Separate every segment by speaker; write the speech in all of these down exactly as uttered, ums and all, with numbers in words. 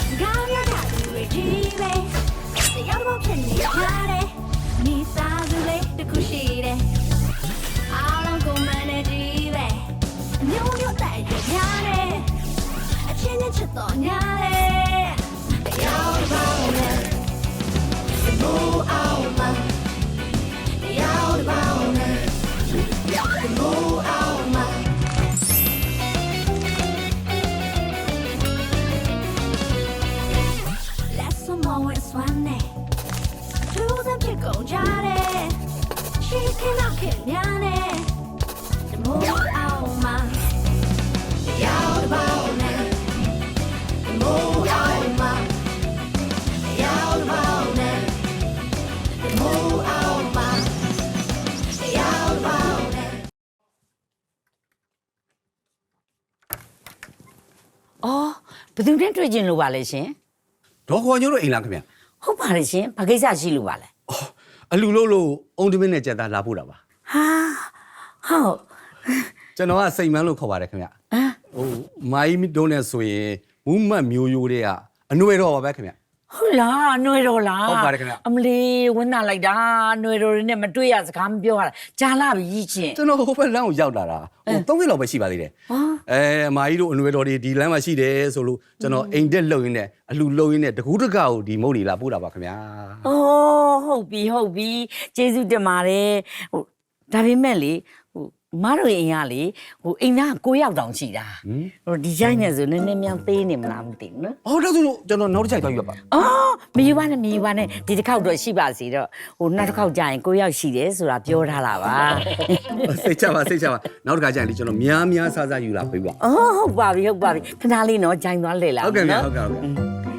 Speaker 1: ဘယ်သူနဲ့တွေ့ကျင်လို့ပါလဲရှင်
Speaker 2: ဒေါ်ခေါ်ညို့တို့အိမ်လားခင်ဗျ
Speaker 1: ဟုတ်ပါလေရှင်ဘာကိစ္စရှိလို့ပါလဲ
Speaker 2: အော်အလူလို့လို့အုံတမင်းနဲ့ကြက်သားလာဖို့တာပါ
Speaker 1: ဟာဟုတ်
Speaker 2: ကျွန်တော်ကစိတ်မန်းလို့ခေါ်ပါတယ်ခင်ဗျဟမ်ဟိုမိုင်းတို့နဲ့ဆိုရင်မူးမတ်မျိုးရိုးတွေကအနှွေတော့ပါပဲခင်ဗျ
Speaker 1: ဟုတ်လားနှွေတော့လား
Speaker 2: ဟုတ်ပါတယ်ခင်ဗျ
Speaker 1: အမလီဝင်းနာလိုက်တာနှွေတော့တွေနဲ့မတွေ့ရစကားမပြောရတာကြာလာပြီချင်း
Speaker 2: ကျွန်တော်ဟိုဘက်လမ်းကိုရောက်လာတာဟိုသုံးရက်လောက်ပဲရှိပါသေးတယ်အဲအမကြီးတို့အနှွေတော်တွေဒီလမ်းမှာရှိတယ်ဆိုလို့ကျွန်တော်အိမ်တက်လှုပ်ရင်းနဲ့အလူလှုပ်ရင်းနဲ့တကူးတကောက်ဒီမုတ်တွေလာပို့တာပါခင်ဗျာ
Speaker 1: အော်ဟုတ်ပြီဟုတ်ပြီကျေးဇူးတင်ပါတယ်ဟိုဒါပေမဲ့လေဟိုမတို့အိမ်ကလေဟိုအိမ်သားကိုရောက်တောင်ရှိတာဟိုဒီကြိုင်းနဲ့ဆိုနည်းနည်းများသေးနေမလားမသိဘူးနော်
Speaker 2: အော်ဒါဆိုလို့ကျွန်တော်နောက်တစ်ချိန်သွားယူပါ
Speaker 1: အော်မယူပါနဲ့မယူပါနဲ့ဒီတစ်ခေါက်တော့ရှိပါစီတော့ဟိုနောက်တစ်ခေါက်ကြာရင်ကိုရောက်ရှိတယ်ဆိုတာပြောထားတာပါ
Speaker 2: စိတ်ချပါစိတ်ချပါနောက်တစ်ခါကြာရင်ကျွန်တော်များများစားစားယူလာပေးပါ
Speaker 1: အော်ဟုတ်ပါပြီဟုတ်ပါပြီခဏလေးနော်ဂျိုင်းသွားလေလာ
Speaker 2: ဟုတ်ကဲ့ဟုတ်ကဲ့ဟုတ်ကဲ့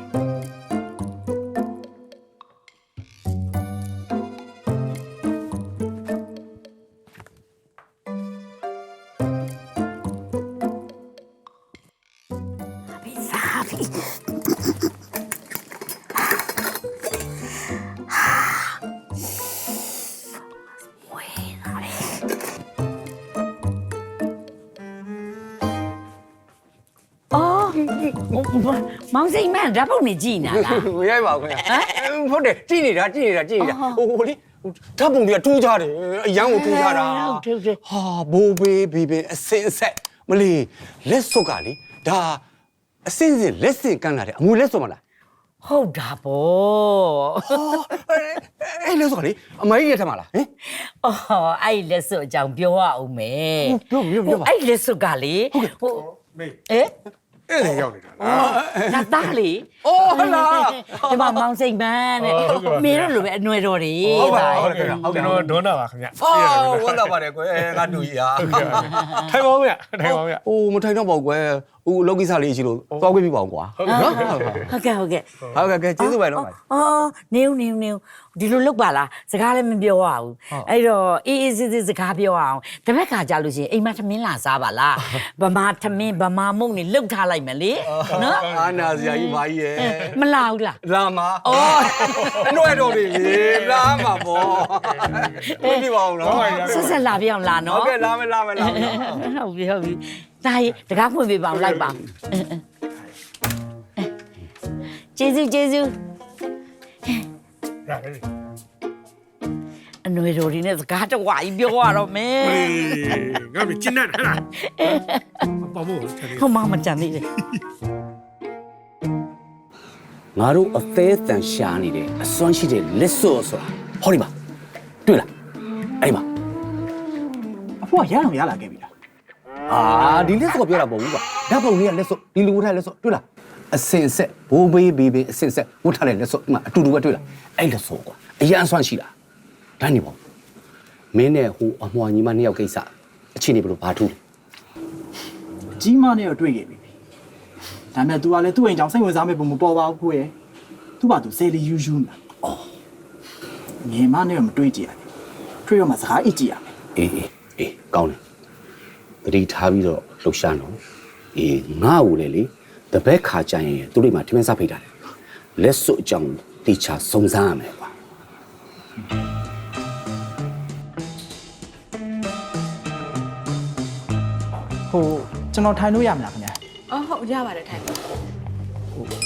Speaker 1: မောင်စိန်မန်ဓာတ်ပုံနေကြည့်နေတာလား
Speaker 2: မရိုက်ပါဘူးခင်ဗျဟုတ်တယ်ကြည့်နေတာကြည့်နေတာကြည့်နေတာဟိုဟိုလေဓာတ်ပုံတွေကတူးကြတယ်အရန်ကိုတူးကြတာ
Speaker 1: ဟုတ်တယ်ဟုတ်
Speaker 2: ဟာဘိုးဘေးဘေးဘေးအစင်အဆက်မလီလက်စွပ်ကလေဒါအစင်စင်လက်စင်ကန်းလာတယ်အမွေလက်စွပ်မလား
Speaker 1: ဟုတ်တာပေါ့
Speaker 2: အဲ့လက်စွပ်ကလေအမကြီးရထမလားဟင်
Speaker 1: အော်အဲ့လက်စွပ်အကြောင်းပြောရအောင်မယ်
Speaker 2: ပြောပြောပြောပါ
Speaker 1: အဲ့လက်စွပ်ကလေဟို
Speaker 3: မေး
Speaker 1: เอ๊ะ
Speaker 3: အဲ့ဒါရောက်နေတာ
Speaker 1: လားနာသားလေ
Speaker 2: အိုးဟလာ
Speaker 1: ဒီမှာမောင်စိန်ပန်းတဲ့မင်းတို့လိုပဲအနှွယ်တော်တွေ
Speaker 2: ဟုတ်ပါဟုတ်ကဲ့
Speaker 3: ဟုတ်ကျွန်တော်ဒေါနာပါခင်ဗျ
Speaker 2: အော်ဝမ်းသာပါတယ်ကွယ်ငါတူကြီးဟာ
Speaker 3: ထိုင်ပါဦးဗျထိုင်ပါဦးဗျ
Speaker 2: အိုးမထိုင်တော့ပါဘူးကွယ်ဦးအလုပ်ကိစ္စလေးရှိလို့သွားခွင့်ပြပါအောင်ကွာ
Speaker 1: နော်ဟုတ်ကဲ့ဟုတ်ကဲ့
Speaker 2: ဟုတ်ကဲ့ကဲကျေးဇူးပဲနော်
Speaker 1: အော်နေဦးနေဦးနေဦးဒီလိုလုပ်ပါလားစကားလည်းမပြောရဘူးအဲ့တော့အေးအေးစစ်စစ်စကားပြောအောင်တပတ်ခါကြာလို့ရှိရင်အိမ်မထမင်းလာစားပါလားဗမာထမင်းဗမာမုန့်နေလှုပ်ထားလိုက်မယ်လေနော်
Speaker 2: အာနာစရာကြီးမာကြီးရဲ့
Speaker 1: မလာဘူးလား
Speaker 2: လာမှာအော်အနှွဲတော်တွေလာမှာပေါ့ပြပါအောင်နော်
Speaker 1: ဆက်ဆက်လာပြအောင်လာနော်
Speaker 2: ဟုတ်ကဲ့လာမယ်လာမယ်လာမယ်
Speaker 1: ဟုတ်ပြီဟုတ်ပြီဒါရီတကားဖွင့်ပေးပါအောင်လိုက်ပါကျေးဇူးကျေးဇူး
Speaker 3: ရတယ်
Speaker 1: အနှွေတော်ဒီနဲ့စကားတဝါကြီးပြောရတော့မယ်
Speaker 3: ငါမကျင်းနဲ့ဟဲ့လားပေါ့မို့
Speaker 1: ဟိုမမကြမ်းသေးတယ်
Speaker 2: ငါတို့အသေးအတန်ရှာနေတယ်အစွမ်းရှိတဲ့လက်စော့ဆိုတာဟောဒီမှာတွေ့လားအဲ့မှာ
Speaker 4: အဖေကရအောင်ရလာခဲ့ပြီလား
Speaker 2: အာဒီလက်စော့ပြောတာမဟုတ်ဘူးကွာဓာတ်ပုံလေးကလက်စော့ဒီလူဝတ်ထားလက်စော့တွေ့လားအစင်ဆက်ဘိုးဘေးဘေးဘေးအစင်ဆက်ဝတ်ထားတဲ့လက်စော့ဒီမှာအတူတူပဲတွေ့လားအဲ့လက်စော့ကွာအရန်အစွမ်းရှိတာဒါနေပေါ့မင်းနဲ့ဟိုအမွှာညီမနှစ်ယောက်ကိစ္စအချင်းနေဘလို့ဘာထူးလဲ
Speaker 4: ကြီးမနဲ့တော့တွေ့ခဲ့ပြီဒါပေမဲ့ तू ကလည်းသူ့အိမ်ကြောင့်စိတ်ဝင်စားမဲ့ပုံမပေါ်ပါဘူးကိုရဲ့ तू ပါ तू ဆယ်လီယူယူမှာအော်ညီမနဲ့တော့မတွေ့ကြရဘူးတွေ့ရမှာစကားအိတ်ကြည့်ရမယ်
Speaker 2: အေးအေးအေးကောင်းတယ်တတိထားပြီးတော့လှူရှားနော်အေးငါ့ကိုလေလေတပည့်ခါကြရင်သူတို့မှာထမင်းစားဖိတ်တာလေလက်စွပ်အကြောင်းတေချာစုံစမ်းရမယ်ကွာ
Speaker 4: ဟိုကျွန်တော်ထိုင်လို့ရမလားခင်ဗျာ
Speaker 5: အော်ဟုတ်ရပါတယ်ထိုင်ပါ
Speaker 4: စ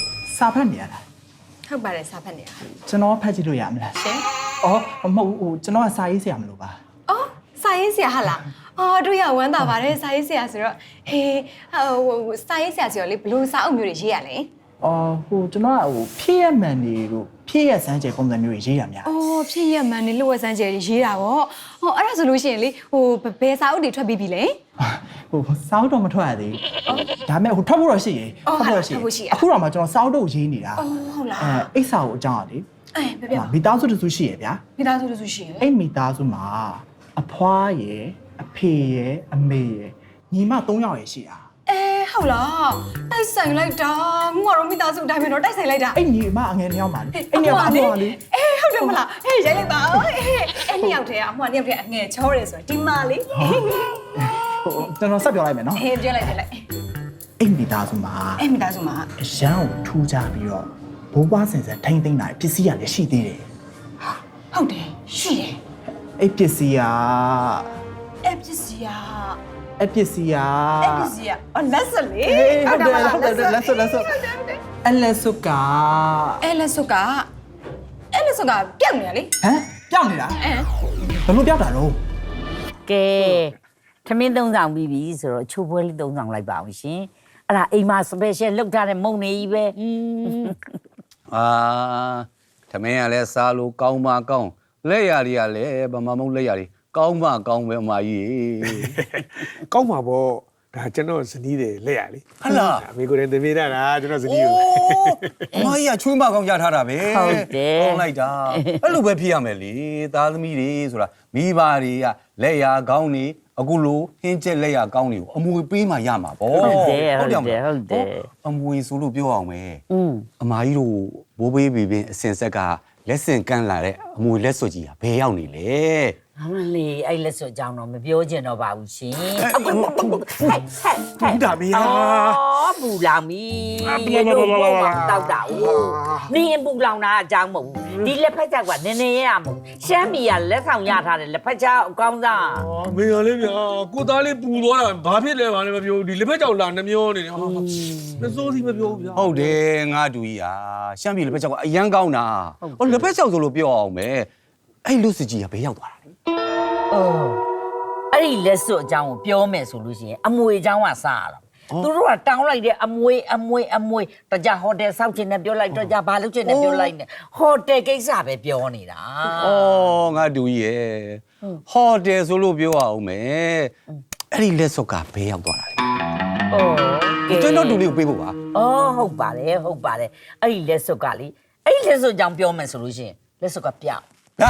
Speaker 4: စာဖတ်နေရလား
Speaker 5: ဟုတ်ပါတယ်စာဖတ်နေတာ
Speaker 4: ကျွန်တော်ဖတ်ကြည့်လို့ရမလား
Speaker 5: ရှင်
Speaker 4: အော်မဟုတ်ဟိုကျွန်တော်ကစာရေးဆရာမလို့ပါ
Speaker 5: အော်စာရေးဆရာဟာလားအော်တို့ရဝမ်းသာပါတယ်စာရေးဆရာဆိုတော့ဟေးဟိုစာရေးဆရာဆိုတော့လေဘလို့စာအုပ်မျိုးတွေရေးရလဲ
Speaker 4: အော်ဟိုကျွန်တော်ကဟိုဖြစ်ရမှန်နေတို့ဖြစ်ရစမ်းကြဲပုံစံမျိုးရေးရများ
Speaker 5: အော်ဖြစ်ရမှန်နေလို့ဝက်စမ်းကျယ်ရေးတာဗောဟောအဲ့ဒါဆိုလို့ရှိရင်လေဟိုဘယ်စာအုပ်တွေထွက်ပြီးပြီလဲ
Speaker 4: ဟိုစာအုပ်တော့မထွက်ရသေးဘူးဒါပေမဲ့ဟိုထွက်ဖို့တော့ရှိရေအခုတော့မှကျွန်တော်စာအုပ်တော့ရေးနေတာ
Speaker 5: အော်ဟုတ်လား
Speaker 4: အဲအိတ်စာကိုအကြောင်းอ่ะလေ
Speaker 5: အေးပြပြ
Speaker 4: မိသားစုတစုရှိရဗျာ
Speaker 5: မိသားစုတစုရှိရင်
Speaker 4: အဲ့မိသားစုမှာအဖွားရယ်အဖေရယ်အမေရယ်ညီမ၃ယောက်ရယ်ရှိတာ
Speaker 5: အေးဟုတ်လားတိုက်ဆိုင်လိုက်တာငါတို့မိသားစုအတိုင်းပဲတော့တိုက်ဆိုင်လိုက်တာ
Speaker 4: အဲ့ညီမအငယ်နှစ်ယောက်ပါလေအဲ့ညီမအဖွားလေ
Speaker 5: အေးဟုတ်တယ်မလားဟေးရိုက်လိုက်ပါဦးအေးအဲ့နှစ်ယောက်တည်းကအမွှာနှစ်ယောက်တည်းအငယ်ချောတယ်ဆိုတော့ဒီမလေး
Speaker 4: ဟိုကျွန်တော်ဆက်ပြောလိုက်မယ်နော်
Speaker 5: အေးပြောလိုက်ပြလိုက်
Speaker 4: အဲ့မိသားစုမှာ
Speaker 5: အဲ့မိသားစုမှာ
Speaker 4: အရန်ကိုထူးကြပြီးတော့ဘိုးဘွားဆင်ဆန်ထိမ့်သိမ့်တာပစ္စည်းရလည်းရှိသေးတယ်
Speaker 5: ဟုတ်တယ်ရှိတယ်
Speaker 4: အဲ့ပစ္စည်းက
Speaker 5: အဲ့ပစ္စည်းက
Speaker 4: အဲ့ပစ္စည်းက
Speaker 5: အဲ့ပစ္စည်းကအော်လက်စလေ
Speaker 4: ဟုတ်တယ်ဟုတ်တယ်လက်စွပ်လက်စွပ်အဲ့လက်စွပ်က
Speaker 5: အဲ့လက်စုကအဲ့လက်စုကပြောက်နေရလေ
Speaker 4: ဟမ်ပြောင်းနေတာ
Speaker 5: အဲ
Speaker 4: ဘယ်လိုပြောင်းတာတော့
Speaker 1: ကဲထမင်းသုံးဆောင်ပြီးပြီဆိုတော့ချိုးပွဲလေးသုံးဆောင်လိုက်ပါအောင်ရှင်အဲ့ဒါအိမ်မှာ special လောက်ထားတဲ့မုံနေကြီးပဲ
Speaker 2: အာသမင်းကလည်းစားလို့ကောင်းပါကောင်းလက်ရည်ကလည်းဗမာမုံလက်ရည်ကောင်းပါကောင်းပဲအမကြီး
Speaker 3: ကောင်းပါဗောဒါကျွန်တော်ဇနီးတယ်လက်ရလေ
Speaker 2: ဟလာ
Speaker 3: အမေကိုယ်တိုင်သမီးတာလားကျွန်တော်ဇနီးကို
Speaker 2: အမကြီးကချွေးမကောင်းရထားတာပဲကောင်းလိုက်တာအဲ့လိုပဲဖြစ်ရမယ်လေသားသမီးတွေဆိုတာမိဘတွေကလက်ရကောင်းနေအခုလိုဟင်းကျက်လက်ရကောင်းနေကိုအမွေပေးမှရမှာဗော
Speaker 1: ဟုတ်တယ်ဟုတ်တယ်ဟုတ်တယ်
Speaker 2: အမွေဆိုလို့ပြောအောင်မယ်
Speaker 1: อืม
Speaker 2: အမကြီးတို့ဘိုးဘေးဘီဘင်းအစင်ဆက်ကလက်စင်ကန်းလာတဲ့အမွေလက်စွပ်ကြီးကဘယ်ရောက်နေလဲ
Speaker 1: အမလေးအဲ့လက်စွပ်ကြောင်းတော့မပြောချင်တော့ပါဘူးရှင်အခုဟဲ့ဟဲ့ဟဲ့
Speaker 3: ဘူးတာမီးဟာ
Speaker 1: အော်ပူလောင်ပြီဒီလိုပေါ့မှာတောက်တာဦးနင်းပူလောင်တာအကြောင်းမဟုတ်ဘူးဒီလက်ဖက်ချက်ကနည်းနည်းရရမဟုတ်ရှမ်းပြည်ကလက်ဆောင်ရထားတယ်လက်ဖက်ချက်အကောင်းစား
Speaker 3: အော်မေရလေးဗျာကိုသားလေးပူသွားတာဘာဖြစ်လဲဘာလဲမပြောဒီလက်ဖက်ကြောင်လာနှမျောနေတယ်ဟာမစိုးစီမပြောဘူးဗျာ
Speaker 2: ဟုတ်တယ်ငါတူကြီးဟာရှမ်းပြည်လက်ဖက်ချောက်ကအရန်ကောင်းတာဟောလက်ဖက်ချောက်ဆိုလို့ပြောအောင်မယ်အဲ့လူစစ်ကြီးကဘယ်ရောက်သွားတာလဲ
Speaker 1: အော်အဲ့ဒီလက်စွပ်အကြောင်းကိုပြောမယ်ဆိုလို့ရှိရင်အမွေအကြောင်းကစားရတာသူတို့ကတောင်းလိုက်တဲ့အမွေအမွေအမွေတကြဟိုတယ်စောက်ချင်တယ်ပြောလိုက်တကြဘာလုပ်ချင်တယ်ပြောလိုက်နေဟိုတယ်ကိစ္စပဲပြောနေတာ
Speaker 2: ဩငါတူကြီးရဲ့ဟော်တယ်ဆိုလို့ပြောအောင်မယ်အဲ့ဒီလက်စွပ်ကဘယ်ရောက်သွားတာလဲ
Speaker 1: အော်ကဲ
Speaker 2: ကျွန်တော်တူလေးကိုပေးဖို့ပါ
Speaker 1: အော်ဟုတ်ပါတယ်ဟုတ်ပါတယ်အဲ့ဒီလက်စွပ်ကလေအဲ့ဒီလက်စွပ်အကြောင်းပြောမယ်ဆိုလို့ရှိရင်လက်စွပ်ကပြောက်
Speaker 2: ဟာ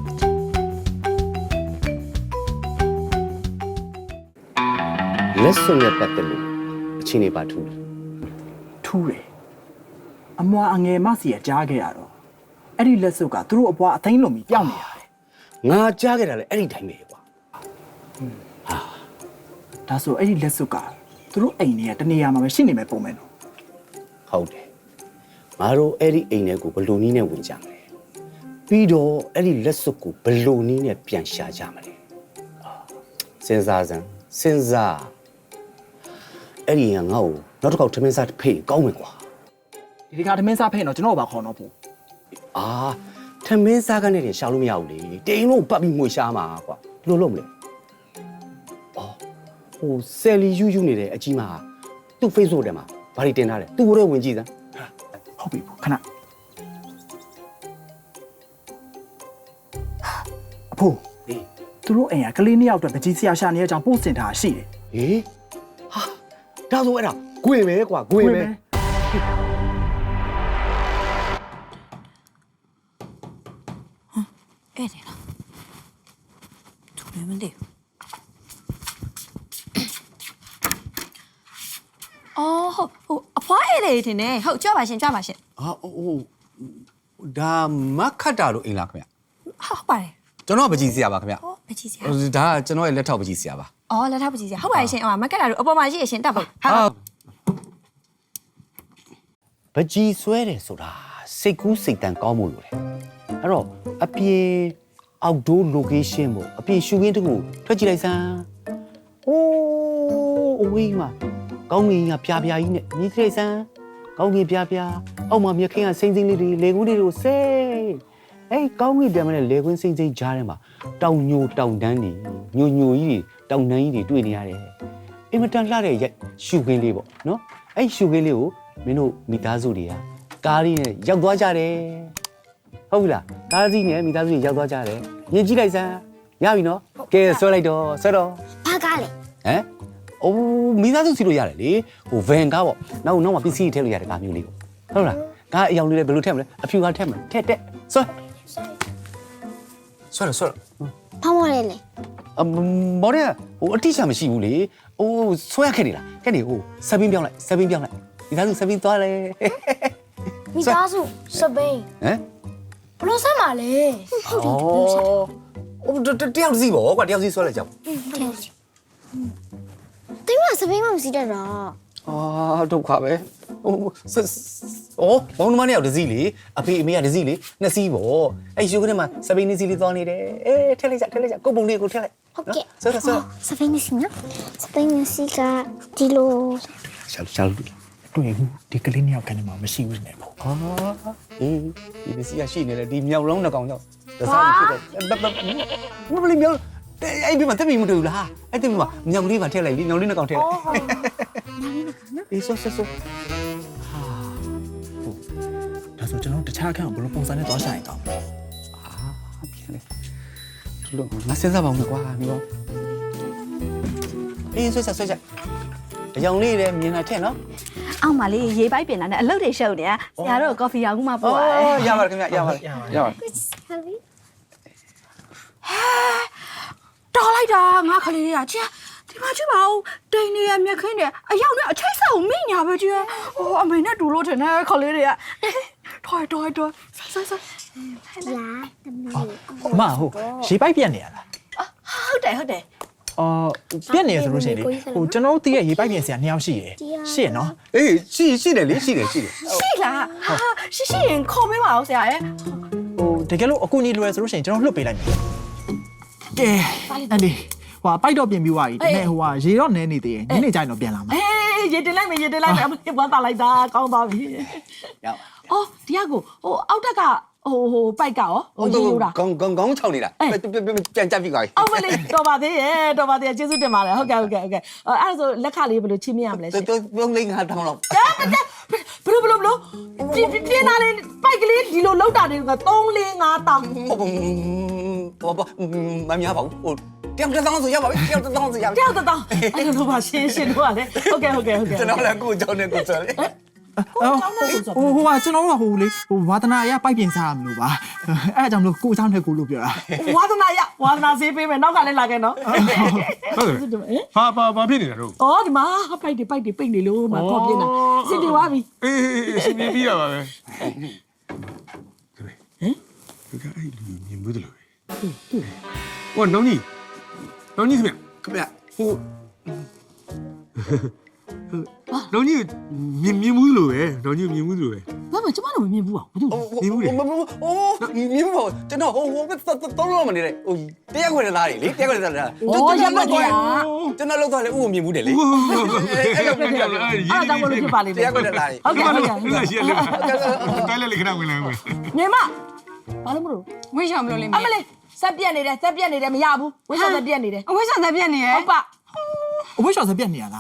Speaker 2: လက်စွပ်နဲ့ပတ်သက်လို့အချင်းနေပါထူး
Speaker 4: ထူးတယ်အမွာအငယ်မစီရကြားခဲ့ရတော့အဲ့ဒီလက်စွပ်ကသူတို့အပွားအသိန်းလုံးပြီးပြောင်းနေရတယ်
Speaker 2: ငါကြားခဲ့တာလေအဲ့ဒီတိုင်းပဲကွာ
Speaker 4: ဒါဆိုအဲ့ဒီလက်စွပ်ကသူတို့အိမ်တွေကတနေရာမှာပဲရှိနေမယ်ပုံမယ်နော်
Speaker 2: ဟုတ်တယ်ငါတို့အဲ့ဒီအိမ်ထဲကိုဘယ်လိုနည်းနဲ့ဝင်ကြမလဲပြီးတော့အဲ့ဒီလက်စွပ်ကိုဘယ်လိုနည်းနဲ့ပြန်ရှာကြမလဲအာစဉ်းစားစမ်းစဉ်းစားအဲ့ဒီကငါ့ကိုနောက်တစ်ခေါက်ထမင်းစားဖေးကောင်းမယ်ကွာ
Speaker 4: ဒီဒီကသမင်းစားဖဲ့တော့ကျွန်တော်ဘာခေါ်တော့ဘူး
Speaker 2: အာထမင်းစားကနေတင်ရှာလို့မရဘူးလေတိန်လို့ပတ်ပြီးငွေရှာမှာကွာဘယ်လိုလုပ်မလဲအော်ဟိုဆယ်လီယူးယူးနေတဲ့အကြီးမဟာသူ့ Facebook ထဲမှာဘာတွေတင်ထားလဲသူ့ကိုယ်ဝင်ကြည့်စမ်း
Speaker 4: ဟုတ်ပြီခဏအဖိုး
Speaker 2: ဟေး
Speaker 4: သူတို့အိမ်ကကလေးနှစ်ယောက်အတွက်ပကြီးဆရာရှာနေတဲ့အကြောင်းပို့စင်ထားရှိတယ်
Speaker 2: ဟေးဟာဒါဆိုအဲ့ဒါဂွေပဲကွာဂွေပဲ
Speaker 5: အဲ့တယ်လားသူလည်းမသိဘူးအော်ဟုတ်ဟိုအဖွားအဲ့လေတင်နေဟုတ်ကြွပါရှင်ကြွပါရှင်
Speaker 2: ဟာဟိုဒါမခတ်တာလို့အိမ်လားခင်ဗျ
Speaker 5: ဟုတ်ပါတယ်
Speaker 2: ကျွန်တော်ပကြီးစရာပါခင်ဗျ
Speaker 5: ဟောပကြီးစရာ
Speaker 2: ဒါကကျွန်တော်ရဲ့လက်ထောက်ပကြီးစရာပါ
Speaker 5: အော်လက်ထောက်ပကြီးစရာဟုတ်ပါတယ်ရှင်ဟိုမကက်တာတို့အပေါ်မှာရှိရရှင်တက်ပါဟာ
Speaker 2: ပကြီးဆွဲတယ်ဆိုတာစိတ်ကူးစိတ်တန်ကောင်းမှုလို့လေအဲ့တော့အပြေအောက်ဒိုး location ပေါ့အပြေရှူခင်းတခုထွက်ကြည့်လိုက်စမ်းအိုးအဝေးမှာကောင်းငင်ကပြာပြာကြီးနဲ့မြည်ကြည့်လိုက်စမ်းကောင်းကင်ပြပြအောက်မှာမြခင်းကစိမ့်စိမ့်လေးတွေလေကူးလေးတို့စိတ်အေးကောင်းကင်ပြမနဲ့လေကွင်းစိမ့်စိမ့်ကြားထဲမှာတောင်ညိုတောင်တန်းတွေညိုညိုကြီးတွေတောင်တန်းကြီးတွေတွေ့နေရတယ်အင်မတန်လှတဲ့ရိုက်ရှုခင်းလေးပေါ့နော်အဲ့ရှုခင်းလေးကိုမင်းတို့မိသားစုတွေကကားလေးနဲ့ရောက်သွားကြတယ်ဟုတ်ပြီလားကားကြီးနဲ့မိသားစုတွေရောက်သွားကြတယ်မြင်ကြည့်လိုက်စမ်းရပြီနော်ကဲဆွဲလိုက်တော့ဆွဲတော့
Speaker 6: ဘာကားလဲ
Speaker 2: ဟမ်အိုးမိသားစုစီလို့ရတယ်လေဟိုဗန်ကားပေါ့နောက်နောက်မှာပစ္စည်းထည့်လို့ရတဲ့ကားမျိုးလေးပေါ့ဟုတ်လားကားအယောင်လေးလည်းဘယ်လိုထည့်မလဲအဖြူကားထည့်မလဲထည့်တက်ဆွဲဆွဲတော့ဆွဲတော့
Speaker 6: ဘာမော်လဲလဲ
Speaker 2: အမော်ရဟိုအတိအကျမရှိဘူးလေဟိုဆွဲရခဲ့နေလားခဲ့နေဟိုစပင်းပြောင်းလိုက်စပင်းပြောင်းလိုက်မိသားစုစပင်းသွားလေ
Speaker 6: မိသားစုစပိန်
Speaker 2: ဟမ်
Speaker 6: ဘလို့ဆက်မှာလဲဟုတ်တယ်ဘလို့ဆက်
Speaker 2: ဟိုတယောက်စီပေါ့ကွာတယောက်စီဆွဲလိုက်ကြပါ
Speaker 6: တိမစပိန်မမရှိတဲ့တော့
Speaker 2: အာဒုက္ခပဲဟိုအော်ဘောင်းမနဲ့ရောက်ဒစီလေအဖေအမေကဒစီလေနှစ်စီးပေါ့အဲ့ယူကနေမှာစပိန်နေစီလေးသွားနေတယ်အေးထည့်လိုက်ကြထည့်လိုက်ကြကိုပုံလေးကိုထည့်လိုက်
Speaker 6: ဟုတ်ကဲ့
Speaker 2: ဆွဲတော့ဆွဲ
Speaker 6: စပိန်မရှိနော်စပိန်မရှိကဒီလို
Speaker 2: ရှာရှာလို့
Speaker 4: တွေ့ဘူးဒီကလေးနှစ်ယောက်ကနေမှမရှိဘူးနေပေါ့
Speaker 2: ဟာအေးဒီပစ္စည်းကရှိနေတယ်ဒီမြောက်လုံးနှစ်ကောင်ကြောင့်ဒစားဖြစ်တော့ဘဘလေးမြောက်အဲ့ဒီမှာတက်ပြီးမတွေ့ဘူးလားအဲ့ဒီမှာမြောက်ကလေးပါထည့်လိုက်လေမြောက်လေးနှစ်ကောင်ထည့်လိုက်အေးဆွဲဆွဲဆွဲ
Speaker 4: ဒါဆိုကျွန်တော်တခြားအခန်းကိုဘယ်လိုပုံစံနဲ့သွားရှာရင်ကောင်းလဲ
Speaker 2: အာပြန်လေဒီလိုငါစဉ်းစားပါဦးကွာဒီတော့အေးဆွဲဆွဲဆွဲအယောင်လေးလည်းမြင်လာထည့်နော်
Speaker 7: အောက်မှာလေးရေးပိုက်ပြင်လာနဲ့အလုပ်တွေရှုပ်နေတာဆရာတို့ကော်ဖီရောင်မှပို့ရတယ်
Speaker 2: ရပါတယ်ခင်ဗျရပါတယ်ရပါတယ်
Speaker 7: တော်လိုက်တာငါခလေးတွေကချင်းဒီမှာကြည့်ပါဦးတိန်နေရမြက်ခင်းတယ်အရောက်နဲ့အချိတ်ဆောက်မိညာပဲကြီးဟိုအမေနဲ့တူလို့ထင်တယ်ခလေးတွေကထွားထွားထွားဆက်ဆက်
Speaker 6: လာတမီး
Speaker 4: အမဟုတ်ရေပိုက်ပြက်နေရလား
Speaker 7: ဟုတ်တယ်ဟုတ်တယ်
Speaker 4: အော်ပြက်နေရဆိုလို့ရှိရင်လေဟိုကျွန်တော်တို့တည့်ရဲ့ရေပိုက်ပြင်ဆရာနှစ်ယောက်ရှိရယ်ရှိရနော်
Speaker 2: အေးရှိရှိတယ်လေရှိတယ်ရှိတယ်
Speaker 7: ရှိလားဟာရှိရှိရင်ခေါ်ပေးပါဦးဆရာရဲ့
Speaker 4: ဟိုတကယ်လို့အကူကြီးလွယ်ဆိုလို့ရှိရင်ကျွန်တော်လွတ်ပေးလိုက်မယ်ကဲအဲ့ဒီဟိုပိုက်တော့ပြင်ပြီးသွားပြီဒါပေမဲ့ဟိုကရေတော့နဲနေသေးတယ်ညနေကျရင်တော့ပြန်လာမှာ
Speaker 7: အေးရေတင်လိုက်မယ်ရေတင်လိုက်မယ်အမဝမ်းသာလိုက်တာကောင်းသွားပြီ
Speaker 2: ရပါ
Speaker 7: အော်တရားကိုဟိုအောက်တက်ကဟိုဟိုပိုက်ကရောဟိုရေယူတာ
Speaker 2: ကောင်းကောင်းကောင်းချောင်းနေတာပြန်ကြပ်ပြီကွာ
Speaker 7: အောက်မလေးတော်ပါသေးရဲ့တော်ပါသေးရဲ့ကျေးဇူးတင်ပါတယ်ဟုတ်ကဲ့ဟုတ်ကဲ့ဟုတ်ကဲ့အဲ့ဒါဆိုလက်ခလေးဘယ်လိုချင်းမရမလဲရှင်
Speaker 2: တော်တော်လေးငါတောင်းတော့
Speaker 7: ဘလို့ဘလို့ဘလို့ပြင်းပြင်းလာလေးပိုက်ကလေးဒီလိုလောက်တာတွေက3 4 5တောင်
Speaker 2: ဟုတ်ပါဘူးမများပါဘူးဟိုတယောက်တစ်သောင်းဆိုရပါပြီတယောက်တစ်သောင်းဆိုရပါပြီ
Speaker 7: ကြောက်တောင်အဲ့လိုပါရှင်းရှင်းတော့လေဟုတ်ကဲ့ဟုတ်ကဲ့ဟုတ်ကဲ့
Speaker 2: ကျွန်တော်လည်းကိုကြောင်းနဲ့ကိုဆိုလေ
Speaker 4: အော်ဟိုဟိုကကျွန်တော်တို့ကဟိုလေဟိုဝါသနာအရပိုက်ပြင်စားရမလို့ပါအဲ့အကြောင့်လို့ကိုเจ้าနဲ့ကိုလို့ပြောတာ
Speaker 7: ဝါသနာရဝါသနာဆေးပေးမယ်နောက်ကလည်းလာခဲ့နော်
Speaker 3: ဟုတ်တယ်ဘာဘာဘာဖြစ်နေတာတို့
Speaker 7: အော်ဒီမှာပိုက်တွေပိုက်တွေပိတ်နေလို့မခေါ်ပြင်းတာစစ်တွေသွားပြီ
Speaker 3: အေးအေးရှင်ပြပြီးတာပါပဲဟမ်ဒီကအဲ့လူမြင်မှုတယ်လို့ဟောနောင်ကြီးနောင်ကြီးခင်ဗျ
Speaker 2: ခင်ဗျ
Speaker 3: ဟိုနောင်ကြီးမြင်မြင်မှုလို့ပဲနောင်ကြီးမြင်မှုလို့ပဲ
Speaker 7: ဘာမှကျမတို့မမြင်ဘူးอ่ะဘာလို့
Speaker 2: မြင်ဘူးလေအိုးမြင်ဘူးကျွန်တော်ဟိုဟိုတော့တော့မနေနဲ့ဟိုတရားခွေသားတွေလေတရားခွေသားတွေကျွန်တော်လောက်သွားလေဥကိုမြင်ဘူးတယ်လေ
Speaker 3: အဲ့လိုပြပြလေ
Speaker 7: အဲ့ဒါကြောင့်မလို့ဖြစ်ပါလိမ့်မယ်
Speaker 2: တရားခွေသားတွေ
Speaker 7: ဟုတ်ကဲ့ဟုတ်ကဲ့ဟုတ်ကဲ့
Speaker 3: ရှိရတယ်တိုင်းလေခဏဝင်လာမယ်
Speaker 7: ညီမဘာလို့မလို့
Speaker 5: ဝိရှောင်မလို့လိမ့်
Speaker 7: အ
Speaker 5: မယ်
Speaker 7: မလေးစက်ပြက်နေတယ်စက်ပြက်နေတယ်မရဘူးဝိရှောစက်ပြက်နေတယ်
Speaker 5: အဝိရှောင်သက်ပြက်နေရ
Speaker 7: ဟုတ်ပါ
Speaker 4: အဝိရှောင်စပြက်နေရလား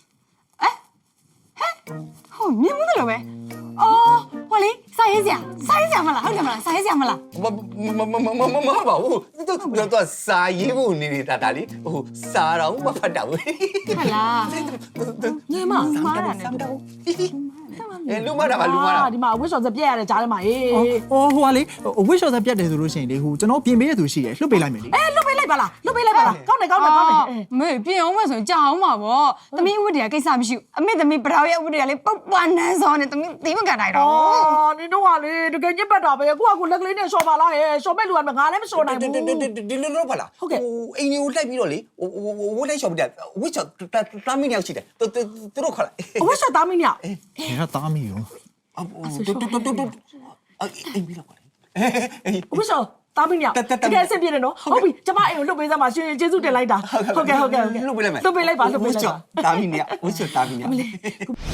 Speaker 5: ဟုတ်မြင်မှုတယ်လို့ပဲအော်ဟောလေစာရေးစရာစာရေးစရာမလားဟုတ်တယ်မလားစာရေးစရာမလား
Speaker 2: မမမမမမပါဘူးသူသူစာရေးဖို့နေနေတာဒါလေးဟိုစာတော့မဖတ်တော့ဘူး
Speaker 5: ဟုတ်လား
Speaker 7: ညီမမားတာနဲ့
Speaker 2: အဲလူမတာပါလူမတာ
Speaker 7: ဒီမှာဝိရှောစက်ပြက်ရတယ်ကြားထဲမှာအေး
Speaker 4: အော်ဟိုကလေအဝိရှောင်စပြက်တယ်ဆိုလို့ရှိရင်လေဟိုကျွန်တော်ပြင်ပေးရသူရှိရလွတ်ပေးလိုက်မယ်လေ
Speaker 7: အေးလွတ်ပေးလိုက်ပါလားလွတ်ပေးလိုက်ပါလားကောင်းတယ်ကောင်းတယ်ကောင်းတယ်
Speaker 5: မေပြင်အောင်မဆိုရင်ကြာအောင်ပါဗောသမီးဝတ်တွေကကိစ္စမရှိဘူးအမေသမီးပရောရဲ့ဝတ်တွေကလေပုတ်ပွားနန်းစောနဲ့သမီးသိမကန်နိုင်တော့
Speaker 7: အော်နင်တို့ကလေတကယ်ညစ်ပတ်တာပဲကိုကကိုလက်ကလေးနဲ့ရှော့ပါလားဟဲ့ရှော့မဲ့လူကငါလည်းမရှော့နိုင်ဘူး
Speaker 2: ဒီလိုတော့ပါလားဟိုအိမ်ကြီးကိုလိုက်ပြီးတော့လေဟိုဝိုးလိုက်ရှော့ပြတယ်ဝိချောတာမင်းရောက်ရှိတယ်သူသူတို့ခေါ်လိုက်
Speaker 7: အဝိရှောသားမင်းည
Speaker 4: ဒီကတားမိရော
Speaker 2: အတူတူတူတူအိမ်ပြီးတော့ပါလေ
Speaker 7: အဝိရှောသားမင်းညတကယ်အဆင်ပြေတယ်နော်ဟုတ်ပြီကျမအိမ်ကိုလွတ်ပေးစမ်းပါရှင်ကျေးဇူးတင်လိုက်တာဟုတ်ကဲ့ဟုတ်ကဲ့ဟုတ်ကဲ့
Speaker 2: လွတ်ပေးလိုက်မယ်
Speaker 7: လွတ်ပေးလိုက်ပါလွတ်ပေးလိုက်ပါ
Speaker 2: တာမင်းညဝိချောတာမင်းည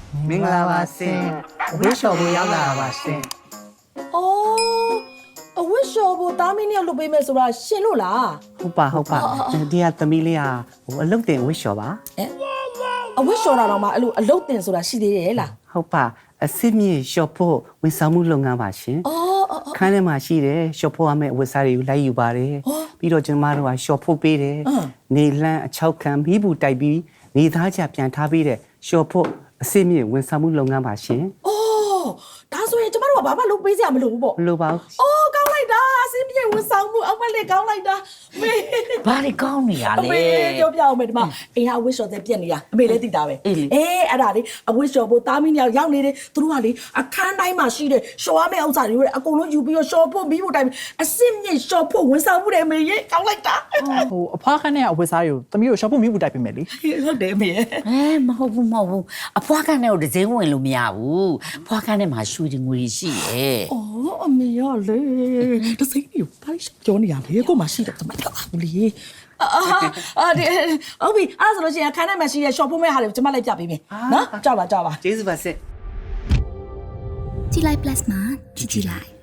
Speaker 8: မင်္ဂလာပါရှင်ဝိရှော်ကိုရောက်လာတာပါရှင်
Speaker 7: အော်အဝတ်လျှော်ဖို့တားမင်းနဲ့လုပ်ပေးမယ်ဆိုတာရှင်လို့လား
Speaker 8: ဟုတ်ပါဟုတ်ပါဒီကသမီးလေးကဟိုအလုပ်တင်ဝိရှော်ပါ
Speaker 7: အဝတ်လျှော်တာတော့မှအဲ့လိုအလုပ်တင်ဆိုတာရှိသေးတယ်လား
Speaker 8: ဟုတ်ပါအစစ်မြေရှော့ဖို့ဝန်ဆောင်မှုလုပ်ငန်းပါရှင်
Speaker 7: အော်အော်
Speaker 8: ခန်းထဲမှာရှိတယ်ရှော့ဖို့ရမယ့်ဝတ်စားတွေကိုလိုက်ယူပါတယ်ပြီးတော့ကျွန်မတို့ကရှော့ဖို့ပေးတယ်နေလန်းအချောက်ခံမိဘူးတိုက်ပြီးနေသားချပြန်ထားပေးတဲ့ရှော့ဖို့အစစ်မြေဝန်ဆောင်မှုလုပ်ငန်းပါရှင်
Speaker 7: အော်ဒါဆိုရင်ကျမတို့ကဘာမှလုပ်ပေးစရာမလိုဘူးပေါ့
Speaker 8: ဘလို့ပါဘူး
Speaker 7: အော်ကောင်းလိုက်တာအစင်းပြေဝန်ဆောင်မှုအမလေးကောင်းလိုက်တာမေ
Speaker 1: ဘာတွေကောင်းနေရ
Speaker 7: အ
Speaker 1: လဲ
Speaker 7: မေပြောပြအောင်မေဒီမှာအိမ်ဟာအဝတ်လျှော်တဲ့ပြက်နေရအမေလည်းသိတာပဲ
Speaker 1: အေးလေ
Speaker 7: အေးအဲ့ဒါလေအဝတ်လျှော်ဖို့တားမင်းတွေရောက်နေတယ်သူတို့ကလေအခန်းတိုင်းမှာရှိတဲ့လျှော်ရမယ့်ဥစ္စာတွေကိုအကုန်လုံးယူပြီးတော့လျှော်ဖို့ပြီးဖို့တိုင်းအစင်းမြေလျှော်ဖို့ဝန်ဆောင်မှုတယ်မေရေကောင်းလိုက်တာ
Speaker 4: ဟိုအဖွားခန်းနဲ့အဝတ်စားတွေကိုသမီးတို့ရှော့ဖို့မိဘူးတိုက်ပေးမယ်လေ
Speaker 7: ဟုတ်တယ်မေ
Speaker 1: အဲမဟုတ်ဘူးမဟုတ်ဘူးအဖွားကနဲ့ကိုတစ်စိမ်းဝင်လို့မရဘူးဖွားကနဲ့မှာရွှေတွေငွေတွေရှိရဲ့
Speaker 7: အော်အမေရလေတစိမ့်ကြီးဘာလို့ပြောနေရလဲကိုမရှိတယ်တမတော်ဘူးလေအာအာဒီဟုတ်ပြီအဲ့ဆိုလို့ရှိရင်ခန်းထဲမှာရှိတဲ့ shop ဖို့မဲ့ဟာတွေကိုကျွန်မလိုက်ပြပေးမယ်နော်ကြောက်ပါကြောက်ပါ
Speaker 8: ကျေးဇူးပါစစ်
Speaker 6: ကြည်လိုက် plus မှာကြည်ကြည်လိုက်